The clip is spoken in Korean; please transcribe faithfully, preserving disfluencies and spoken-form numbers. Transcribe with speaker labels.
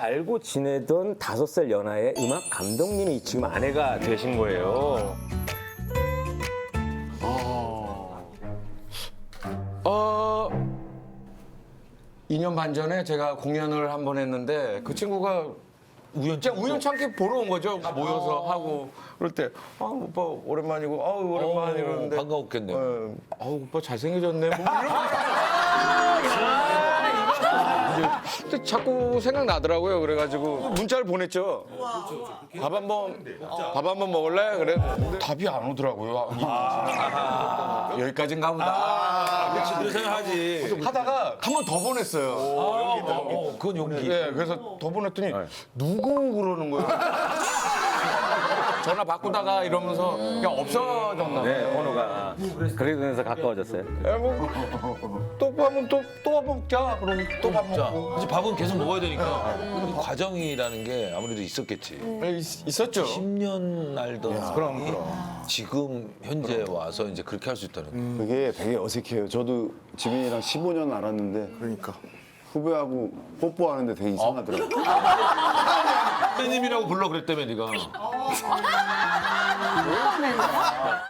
Speaker 1: 알고 지내던 다섯 살 연하의 음악 감독님이 지금 아내가 되신 거예요.
Speaker 2: 어, 이 년 반 전에 제가 공연을 한 번 했는데 그 친구가 우연치, 우연찮게 보러 온 거죠. 모여서 하고 그럴 때 아, 오빠 오랜만이고 아우 오랜만 이러는데
Speaker 3: 반가웠겠네요.
Speaker 2: 어, 아우 오빠 잘생겨졌네. 뭐 이런 근데 자꾸 생각나더라고요. 그래가지고 문자를 보냈죠. 밥 한번 밥 한번 먹을래? 그래. 근데 답이 안 오더라고요. 아, 여기까지인가 보다.
Speaker 3: 그렇지, 그런 생각하지.
Speaker 2: 하다가 한 번 더 보냈어요.
Speaker 3: 어, 그건 용기.
Speaker 2: 예, 그래서 더 보냈더니 누구 그러는 거예요. 전화 바꾸다가 이러면서 그냥 없어졌나
Speaker 1: 네,
Speaker 2: 봐요.
Speaker 1: 번호가. 그러면서 가까워졌어요.
Speaker 2: 예, 뭐, 또 밥은 또, 또 먹자. 그러면 또 밥
Speaker 3: 자,
Speaker 2: 먹고.
Speaker 3: 이제 밥은 계속 먹어야 되니까 이 과정이라는 게 아무래도 있었겠지.
Speaker 2: 예, 있, 있었죠.
Speaker 3: 십 년 알던
Speaker 2: 그럼,
Speaker 3: 사람이
Speaker 2: 그럼.
Speaker 3: 지금 현재 와서 이제 그렇게 할 수 있다는 거.
Speaker 4: 그게 되게 어색해요. 저도 지민이랑 십오 년 알았는데 그러니까 후배하고 뽀뽀하는데 되게 이상하더라고요.
Speaker 3: 선배님이라고 불러 그랬다며 네가.